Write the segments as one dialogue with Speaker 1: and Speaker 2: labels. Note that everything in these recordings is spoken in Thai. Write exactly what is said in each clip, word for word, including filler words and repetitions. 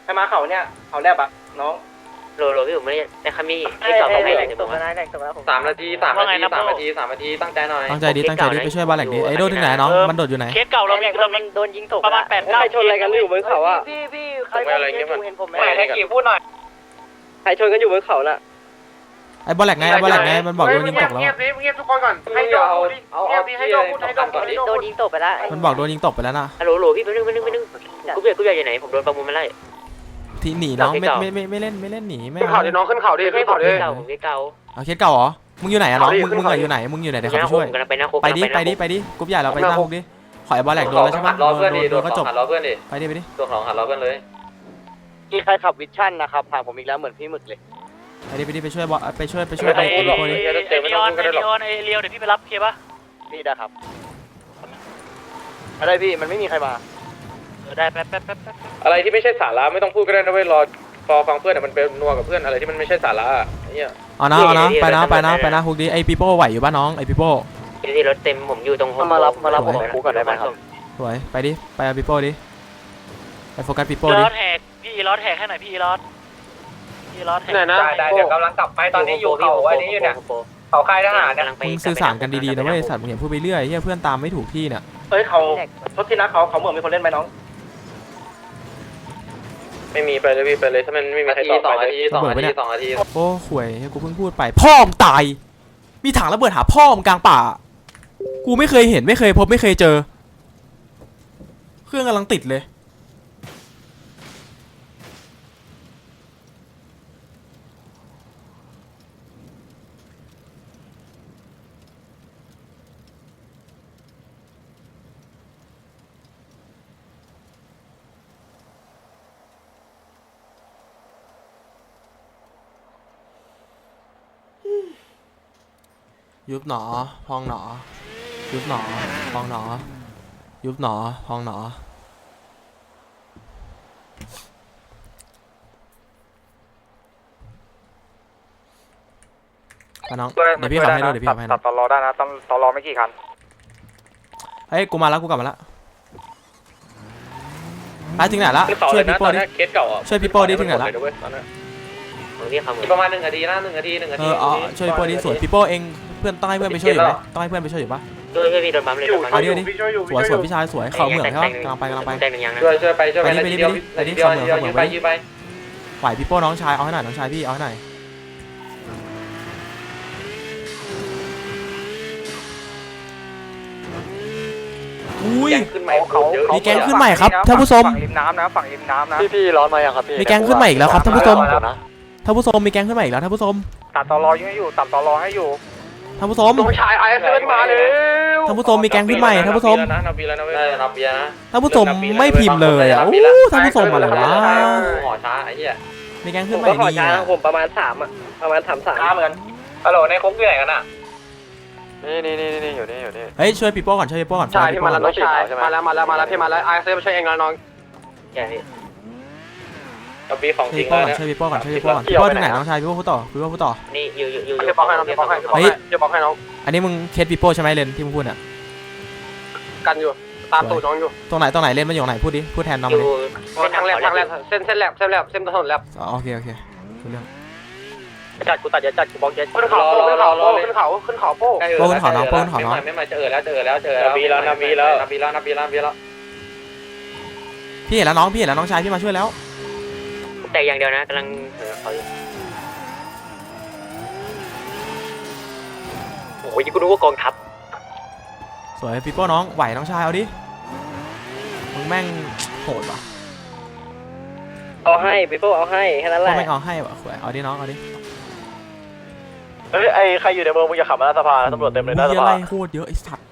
Speaker 1: ใครมาเขาเนี่ยเขาแลบอะน้อง
Speaker 2: โหลโหลพี่ผมไม่ได้ในคามีที่สองไม่ได้ถึงผมว่า
Speaker 3: สามนาทีสามนาทีสามนาทีสามนาทีตั้งใจหน่อย
Speaker 4: ตั้งใจดีตั้งใจดีไปช่วยบอลแหลกดีไอ้โดถึงไหนน้องมันโดดอยู่ไหน
Speaker 5: เคสเก่าเรามีเราโดนยิงตกประมาณแปดเก้าชนอะไรกันอยู่บนเขาอ่ะพี่พี่ใครเห็นผมไหมให้กี่พูดหน่อยใครชนกันอยู่บนเขาน่ะ
Speaker 4: ไอ้บอลแหลกไงไอ้บอลแหลกไงมันบอกโดนยิงตกแล้ว
Speaker 3: เงียบเงียบทุกคนก่อนให้โดนเอาเอาให้โดนพูดให้โดนก่อนดิ
Speaker 5: โดนยิงตกไปแล้ว
Speaker 4: มันบอกโดนยิงตกไปแล้วนะ
Speaker 2: โหลโหลพี่ไปนึงไปนึงไปนึงกูเบียกูเบียอยู่ไหนผมโดนประมูลมาไล่
Speaker 4: ที่หนีน้องไม่ไม่ไม่ไม่เล่นไม่เล่นหนีไม่
Speaker 3: ขึ้นเขาดิน้องขึ้นเขาดิขึ้นเขาดิ
Speaker 2: เก่าผมเคสเก่า
Speaker 4: เอาเคสเก่าเหรอมึงอยู่ไหนอะน้องมึงมึงอยู่ไหนมึงอยู่ไหนเดี๋ยวเขาไปช่วย
Speaker 2: ไปนะ
Speaker 4: ไปดิไปดิไปดิกรุ๊ปใหญ่เราไปหน้าคุกดิขอไอ้บอลแหลกโดนแล้วใช่ปะ
Speaker 3: รอเพื่อนดิ
Speaker 4: โดนก็จบ
Speaker 3: หัดรอเพื่อนดิ
Speaker 4: ไปดิไปดิ
Speaker 3: ตัวของหัดรอเพื่อนเลย
Speaker 5: มีใครขับวิชั่นนะครับผ่านผมอีกแล้วเหมือนพี่หมึกเลย
Speaker 4: ไปดิไปดิไปช่วยบอลไปช่วยไปช่วยไอ้ไอ้โคดิ
Speaker 5: ไอเลียนไอเลียนไอเลียวเดี๋ยวพี่ไปรับเคป่ะพี่ได้ครับไม่ได้พี่มันไม่มีใครมาได้แป๊บแป๊บแป๊บแป๊บ
Speaker 3: อะไรที่ไม่ใช่สาระไม่ต้องพูดก็ได้นะเว้ยรอรอฟังเพื่อนมันเป็นนัวกับเพื่อนอะไรที่มันไม่ใช่สาระเนี่ย
Speaker 4: เอานะเอานะไปนะไปนะไปนะคุกดิไอ้ปีโป้ไหวอยู่ป่ะน้องไอ้ปีโป้
Speaker 2: ที่รถเต็มผมอยู่ตรง
Speaker 5: มารับมารับผมคุกก่อนได้ไหมครับ
Speaker 4: สวยไปดิไปเอาปีโป้ดิไปโฟกัสปีโป้
Speaker 5: ล้
Speaker 4: ดิ
Speaker 5: อแท็กพี่ล้อแท็กให้หน่อยพี่ล้อพี่ล้อแท็ก
Speaker 3: ไหนนะได้เดี๋ยวกำลังกลับไปตอนนี้อยู่เขาอันนี้อยู่เนี่ยเขาค่ายทหารเนี่ย
Speaker 4: มึงสื่อสารกันดีๆนะเว้ยสัตว์มึงอย่าพูดไปเรื่อยเฮียเพื่อนตามไม่ถูกที่เนี่ย
Speaker 1: เฮ้ยเขาทศที่รักเขาเขาเหมือนมีคนเล่นไหมน้อง
Speaker 3: ไม่มีไปเลยพี่ไปเลยถ้ามันไม่มีใครตอบไปเลยสองนาทีสองนาที
Speaker 4: โอ้ข่วยกูเพิ่งพูดไปพ่อมตายมีถังระเบิดหาพ่อมกลางป่ากูไม่เคยเห็นไม่เคยพบไม่เคยเจอเครื่องกำลังติดเลยยุบหนอพองหนอยุบหนอพองหนอยุบหนอพองหนอไปน้องเดี๋ยวพี่ขับให้ดูเดี๋ยวพี่ขับให้นะ
Speaker 3: ตัดตลอได้นะต้องตลอไม่กี่คัน
Speaker 4: เฮ้ยกูมาแล้วกูกลับมาแล้วไปถึงไหนละช่วยพี่โป้ดิ
Speaker 3: เคสเก่าอ่ะ
Speaker 4: ช่วยพี่โป้ดิถึงไหนละ
Speaker 2: ผมเรียกเขาเหมือน
Speaker 3: ประมาณหนึ่งนาทีนะหนึ่งนาทีหนึ่งนา
Speaker 4: เอ
Speaker 3: ที
Speaker 4: ออ๋อช่วยพี่โป้ดิสวยพี่โป้เองเพื่อนต้องให้เพื่อนไปช่วยอยู่ไหมต้องให้เพื่อนไปช่วยอยู่ปะ
Speaker 2: ช่วยช่วยพี่โดนปั๊มเลยโดนปั๊ม
Speaker 4: เอาดิเอาดิสวยสวยพี่ชายสวยเขาเหมือนเขากำลังไปกำลังไป
Speaker 2: แตงหนึ่งยังนะ
Speaker 3: ช่วยช่วยไปช่วยไปนาทีเดียวนาทีเดียวนาทีเดียวยืมไปยืมไป
Speaker 4: ไหวพี่โป้น้องชายเอาให้หน่อยน้องชายพี่เอาให้หน่อยอุ้ย
Speaker 3: ขึ้นใหม่เขา
Speaker 4: มีแก๊งขึ้นใหม่ครับท่านผู้ชม
Speaker 3: ฝั่งริมน้ำนะฝั่งริมน้ำนะ
Speaker 5: พี่พี่ร้อนมายังครับพี่
Speaker 4: มีแก๊งขึ้นใหม่อีกแล้วครับท่านผู้ชมท่านผู้ชมมีแก๊งขึ้นใหม่อีกแล้วท่านผู้ชม
Speaker 3: ตัดตลอยังให้อยู่ตัดตลอให้อยู่
Speaker 4: ท่านผู้ชม
Speaker 3: น้องชายไอเอสเอ็นมาเลย
Speaker 4: ท่านผู้ชมมีแก๊งขึ้นใหม่ท่านผู้ชม
Speaker 3: นับปีแล้วนะเว้ยนับปีนะ
Speaker 4: ท่านผู้ชมไม่พิมพ์เลยอ่ะอู้ท่านผู้ชมอะไรวะ
Speaker 3: หอช้าไอ้เหี้ย
Speaker 4: มีแก๊งขึ้นใหม่
Speaker 5: ก็ขอ
Speaker 4: ดี
Speaker 5: ช้า
Speaker 4: อ่ะ
Speaker 5: ผมประมาณสามอ่ะประมาณสามสาม
Speaker 1: ช้าเหมือนกัน
Speaker 3: ฮัลโหลในคุกอยู่ไหนกันอ่ะ
Speaker 5: นี่นี่นี่นี่อยู่นี่อยู่นี่
Speaker 4: เฮ้ยช่วยปีโป้ก่อนช่วยปีโป้ก่อน
Speaker 3: ใช่พี่มาแล้วน้องชายมาแล้วมาแล้วมาแล้วพี่มาแล้วไอเอสเอ็นมาช่วยเองแล้วน้อง
Speaker 2: ใช่พี่
Speaker 3: นับปีของจริ
Speaker 4: ช่วย
Speaker 3: ง
Speaker 4: ปีโป้
Speaker 3: แล้ว
Speaker 4: ก่อน
Speaker 3: เนี่ย
Speaker 4: ช่วยปีโป้ก่อนช่วยปีโป้ก่อนปีโป้ที่ไหนน้องชายปีโป้พูดต่อปีโป้พูดต่อ
Speaker 2: นี่อยู่อยู่อยู่
Speaker 3: เดี๋ยวบอกให้น้องเดี๋ยวบอกให้เดี๋ยวบอกให้น้อง
Speaker 4: อันนี้มึงเคสปีโป้ใช่ไหมเลนที่มึงพูดอ่ะ
Speaker 3: กันอยู่ตามตูดน้องอยู่
Speaker 4: ตรงไหนตรงไหนเลนมันอยู่ไหนพูดดิพูดแทนน้อง
Speaker 2: อ
Speaker 4: ดิ
Speaker 2: ยู่
Speaker 3: ทางแลบทางแลบเส้นเส้นแลบเส้นแลบเส้นถนนแลบ
Speaker 4: อ๋อโอเคโอเครู้เรื่อง
Speaker 5: จัดกูตัดอย่าจัดกูบอกอย่า
Speaker 3: ขึ้นเขาขึ้นเขาขึ้นเขาขึ้นเขาโป้ไม่มาเจอแล้วเจอแล้วเจอแล้วนับปีแล้วนับปีแล้วนับปีแล้วนับปีแล้วนับปีแล้ว
Speaker 4: พี่เห็นแล้วน้องพี่เห็นแล้วน้องชายพี่มาช่วยแล้ว
Speaker 2: แต่อย่างเดียวนะกำลังเออเขาอยู่โอ้ยกูรู้ว่ากองทัพ
Speaker 4: สวยปีโป้น้องไหวน้องชายเอาดิมึงแม่งโหดว่ะ
Speaker 5: เอาให้ไปพวกเอาให้แค่นั้นแห
Speaker 4: พ่อ
Speaker 5: ละ
Speaker 4: แม่งเอาให้ว่ะสวยเอาดิน้องเอาดิ
Speaker 5: เฮ้ยไอใครอยู่ในเมืองมึงอย่าขับมาหน้าสภาตำรวจเต็มเลยหน้าส
Speaker 4: มีอะ
Speaker 5: ภา
Speaker 4: ไรโคตรเยอะไอ้สัตว์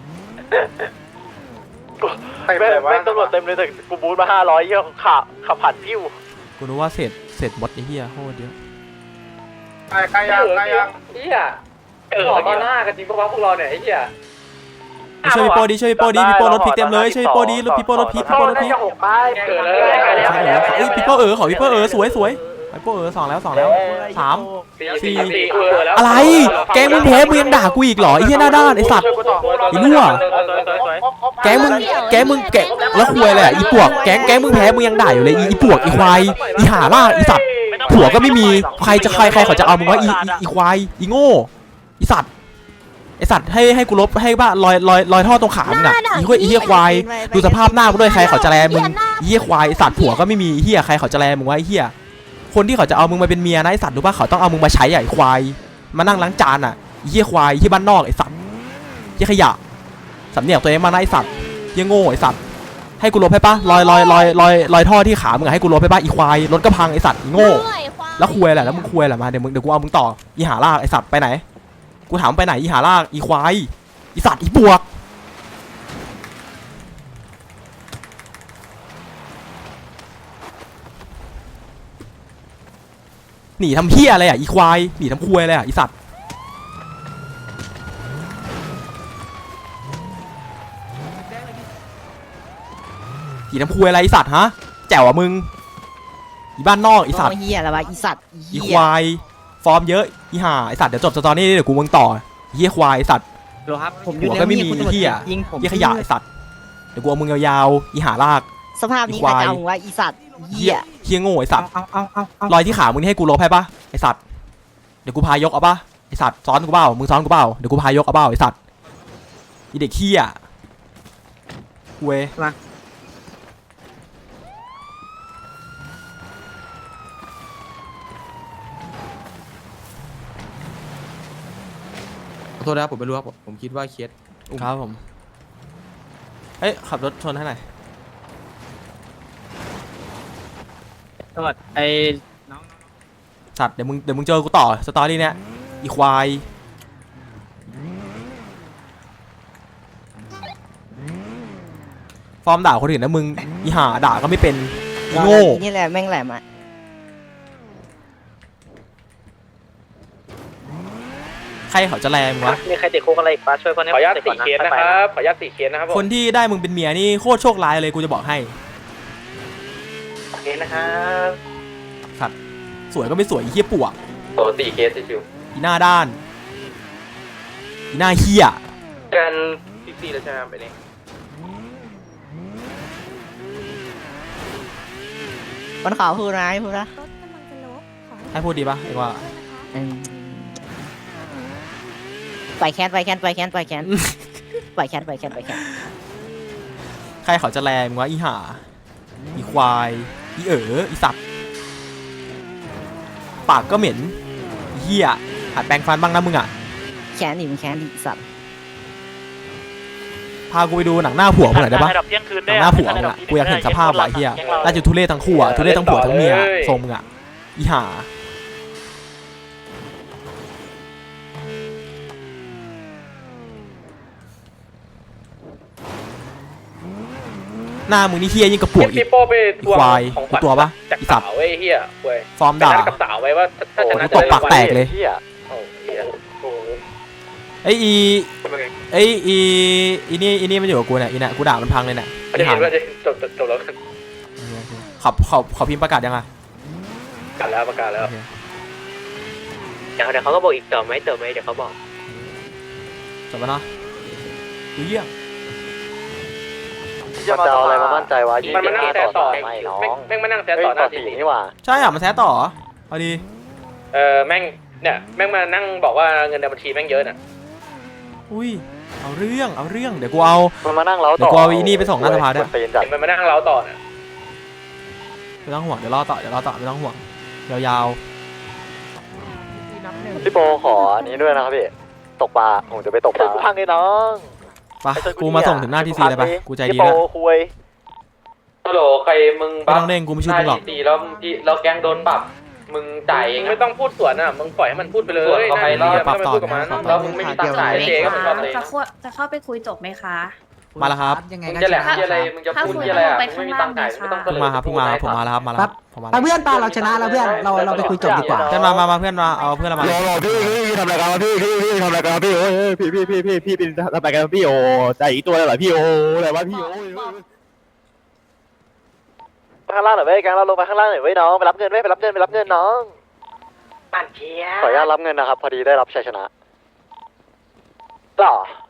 Speaker 5: แม่งแม่งตำรวจเต็มเลยแต่กูบูทมาห้าร้อยเยี่ยขับขับผ่านพิ้ว
Speaker 4: กูนึกว่าเศษเศษบดไอ้เหี้ยโคตรเยอะ
Speaker 3: ใครใครยังใครยังเหี้ยเออตอนหน้ากันจริงพวกเราพวกเราเนี่ยไอ้เหี้ย
Speaker 4: ช่วยพี่โป้ดิช่วยพี่โป้ดิพี่โป้รถพลิกเต็มเลยช่วยพี่โป้ดิรถพี่โป้รถพลิกพี่โป้รถพลิก
Speaker 3: หกไปเกิดเลย
Speaker 4: ใช่เหรอเอ้ยพี่โป้เออขอพี่โป้เออสวยสวยพี่โป้เออสองแล้วสองแล้วสามสี่
Speaker 3: เออแล้ว
Speaker 4: อะไรแก๊งมึงแพ้มึงยังด่ากูอีกเหรอไอ้เหี้ยหน้าด้านไอ้สัตว์ ไอ้รั่ว แก๊งมึงแก๊งมึงแกะแล้วควยเลยอ่ะอีปวกแก๊งแก๊งมึงแพ้มึงยังด่าอยู่เลยอีอีปวกอีควายอีห่าล่าอีสัตว์ผัวก็ไม่มีใครจะใครใครเขาจะเอามึงวะอีอีอีควายอีโง่อีสัตว์ไอสัตว์ให้ให้กูลบให้บ้ารอยรอยรอยท่อตรงขามึงอ่ะอีควายอีเหี้ยควายดูสภาพหน้ามึงด้วยใครเขาจะแลมึงอีเหี้ยควายไอสัตว์ผัวก็ไม่มีเหี้ยใครเขาจะแลมึงวะไอเหี้ยคนที่เขาจะเอามึงมาเป็นเมียนะไอสัตว์รู้ป่ะเขาต้องเอามึงมาใช้อ่ะไอควายมานั่งล้างจานอ่ะอีเหี้ยควายที่บ้านนอกไอสัตว์เหี้ยขยะสำเนียกตัวเองมานะไอสัตว์เหี้ยโง่ไอสัตว์ให้กูลบให้ปะรอยรอยรอยรอยรอยท่อที่ขามึงให้กูลบให้ปะอีควายรถก็พังไอสัตว์อีโง่แล้วคุยแหละแล้วมึงคุยแหละมาเดี๋ยวมึงเดี๋ยวกูเอามึงต่ออีหาลากไอสัตว์ไปไหนกูถามไปไหนอีหาลากอีควายอีสัตว์อีปวกหนีทำเหี้ยอะไรอ่ะอีควายหนีทำคุยอะไรอ่ะอีสัตว์หนีทำคุยอะไรอีสัตว์ฮะแจ๋วอ่ะมึงอีบ้านนอกอีสัตว์
Speaker 5: เฮียอะไรวะอีสัตว์
Speaker 4: อีควายฟอร์มเยอะอีห่าไอสัตว์เดี๋ยวจบสตอรี่เดี๋ยวกูมึงต่อเฮียควายไอสัตว์
Speaker 5: ดูครับผม
Speaker 4: หัวก็ไม่มีเฮีย
Speaker 5: ยิงผม
Speaker 4: เฮียขยะไอสัตว์เดี๋ยวกูเอามึงยาวๆอีห่าลาก
Speaker 5: สภาพนี้ใครจะเอามึงวะอีสัตว์เฮี
Speaker 4: เฮีย
Speaker 5: ย
Speaker 4: เฮียโง่ไอสัตว์
Speaker 5: เอาเอาเอาเอา
Speaker 4: รอยที่ขามึงนี่ให้กูลบให้ปะไอสัตว์เดี๋ยวกูพายกเอาปะไอสัตว์ซ้อนกูเปล่ามึงซ้อนกูเปล่าเดี๋ยวกูพายกเอาเปล่าไอสัตว์อีเด็กเฮียเว้ย
Speaker 6: ขอโทษนะครับผมไม่รู้ครับผมผมคิดว่าเคส
Speaker 4: ครับผมเอ้ยขับรถชนให้หน่อย
Speaker 5: โทษไอ้
Speaker 4: สัตว์เดี๋ยวมึงเดี๋ยวมึงเจอกูต่อสตอรี่เนี้ยอีควายฟอร์มด่าคนอื่นนะมึงอีห่าด่าก็ไม่เป็นอีโง่
Speaker 5: นี่แหละแม่งแหลมอ่ะ
Speaker 4: ใครเขาจะแรงวะ
Speaker 2: มีใครติดคุกอะไรอีกปะช่วยคนนี้
Speaker 3: ขออนุญาตสี่เคสนะครับขออนุญาตสี่เคสนะครับผม
Speaker 4: คนที่ได้มึงเป็นเมียนี่โคตรโชคร้ายเลยกูจะบอกให้
Speaker 1: โอเคนะครับ
Speaker 4: สัตว์สวยก็ไม่สวยอีเหี้ยปวก
Speaker 3: โอ้สี่เคสชิว
Speaker 4: อีหน้าด้านอีหน้าเหี้ย
Speaker 1: กันฟิฟตี้แล้วใช่ไหมครับไปนี่
Speaker 5: บนเขาพูดนะพูดนะ
Speaker 4: ให้พูดดีปะเอกว่า
Speaker 5: ปล่อยแคนปล่อยแคนปล่อยแคนปล่อยแคนปล่อยแคนปล่อยแคนปล่อยแคน
Speaker 4: ใครเขาจะแรงวะอีห่าอีควายอีเอ๋ออีสัตว์ปากก็เหม็นอีเหี้ยหัดแปรงฟันบ้างนะมึงอ่ะ
Speaker 5: แคนดิมึงแคนดิสัตว์
Speaker 4: พากูไปดูหนังหน้าผัวมึงหน่อยได้ปะหนังหน้าผัวมึงอ่ะกูอยากเห็นสภาพว่ะไอ้เหี้ยน่าจะทุเรศทั้งคู่อ่ะทุเรศทั้งผัวทั้งเมียทรงมึงอ่ะอีห่าหน้ามึงนี่เฮี้ยยิ่งกระปวกอี
Speaker 3: พี่
Speaker 4: ก
Speaker 3: โป้ไปทวง
Speaker 4: ควาย
Speaker 3: ของขวัญ
Speaker 4: ตัวปะ
Speaker 3: จาก
Speaker 4: อีสัตว์
Speaker 3: สาวไอ้เหี้ยเว้ย
Speaker 4: ฟอร์ม
Speaker 3: ไป
Speaker 4: ด่า
Speaker 3: นัดกับสาวไว้ว่าถ้าชนะ
Speaker 4: ตบปากแตกเลย
Speaker 3: เหี้ยโอ้เหี้ยโอ้
Speaker 4: ไอ้อีไอ้อีอีนี่อีนี่มันอยู่กับกูเนี่ยอีเนี่ยกูด่ามันพังเลยเนี่ย
Speaker 3: จะเห็นว่าจะจบจบแล้วกัน
Speaker 4: ขอขอขอพิมพ์ประกาศยังไง
Speaker 3: ประกาศแล้วประกาศแล้ว
Speaker 2: เดี๋ยวเดี๋ยวเขาก็บอกอีกเติมไหมเติมไหมเดี๋ยวเขาบอก
Speaker 4: จบแล้วเนาะดูเยี่ยม
Speaker 7: จะมาเอาอะไรมามั่นใจวะ
Speaker 3: มันมานั่งแซะต่อ
Speaker 7: ไม่น้อง
Speaker 3: แม่งแม่งมานั่งแซะต่อหน้าที
Speaker 7: สี่
Speaker 3: นี้
Speaker 7: นี่หว่า
Speaker 4: ใช่อ่ะมันแท้ต่อพอดี
Speaker 3: เออแม่งเนี่ยแม่งมานั่งบอกว่าเงินในบัญชีแม่งเยอะน่ะ
Speaker 4: อุ้ยเอาเรื่องเอาเรื่องเดี๋ยวกูเอา
Speaker 7: มันมานั่งเล้าต่อ
Speaker 4: เดี๋ยวกูเอาอีนี่ไปส่งหน้าสภาด้วย
Speaker 7: เปนจัด
Speaker 3: มันมานั่งเล้าต่อน่ะ
Speaker 4: ไม่ต้องห่วงเดี๋ยวรอต่อเดี๋ยวรอต่อไม่ต้องห่วงยาว
Speaker 7: พี่โปขออันนี้ด้วยนะครับพี่ตกปลาผมจะไปตกปลาพังไอ้น้อง
Speaker 4: ๆไปกูมาส่งถึงหน้าทีซีเลยไปกูใจดี
Speaker 7: พี่โป
Speaker 4: ด้วย
Speaker 7: คุย
Speaker 3: ฮัลโหลใครมึง
Speaker 4: ไม่ต้องเด้งกูไม่ช่วยมึงหรอก
Speaker 3: ตีแล้วพี่เราแกงโดนปรับมึงจ่ายเองไม่ต้องพูดสวนอ่ะมึงปล่อยให้มันพูดไปเลย
Speaker 4: เขาไปแล้วปรับต่อ
Speaker 3: กับมัน
Speaker 4: ปรับต่อ
Speaker 3: แล้วมึงไม่มีตังค์จ่ายเจ๊ก็เหมือนกันเลย
Speaker 8: จะเข้าจะเข้าไปคุยจบไหมคะ
Speaker 4: มาแล้วครับ
Speaker 3: มึงจะแหลมที่อะไรมึงจะพูดที่อะไรอ่ะมึงไม่มีตังค์จ่ายไม่ต้อง
Speaker 4: เพิ่งมาครับเพิ่งมาผมมาแล้วครับมาแล้วครับผมมาแล้ว
Speaker 5: เพื่อนตาเราชนะแล้วเพื่อนเราเราไปคุยจบดีกว่า
Speaker 4: เพื่อนมามามาเพื่อนมาเอาเพื่อนเรามา
Speaker 7: รอรอพี่พี่ทำอะไรกันพี่พี่พี่ทำอะไรกันพี่โอ้ยพี่พี่พี่พี่พี่เป็นทำอะไรกันพี่โอ้ใจอีกตัวเลยเหรอพี่โอ้อะไรวะพี่โอ้ข้างล่างหน่อยเว้ยกลางเราลงไปข้างล่างหน่อยเว้ยน้องไปรับเงินเว้ยไปรับเงินไปรับเงินน้อง
Speaker 1: ปั่นเชีย
Speaker 7: ขออนุญาตรับเงินนะครับ พอดีได้รับชัยชนะต่อ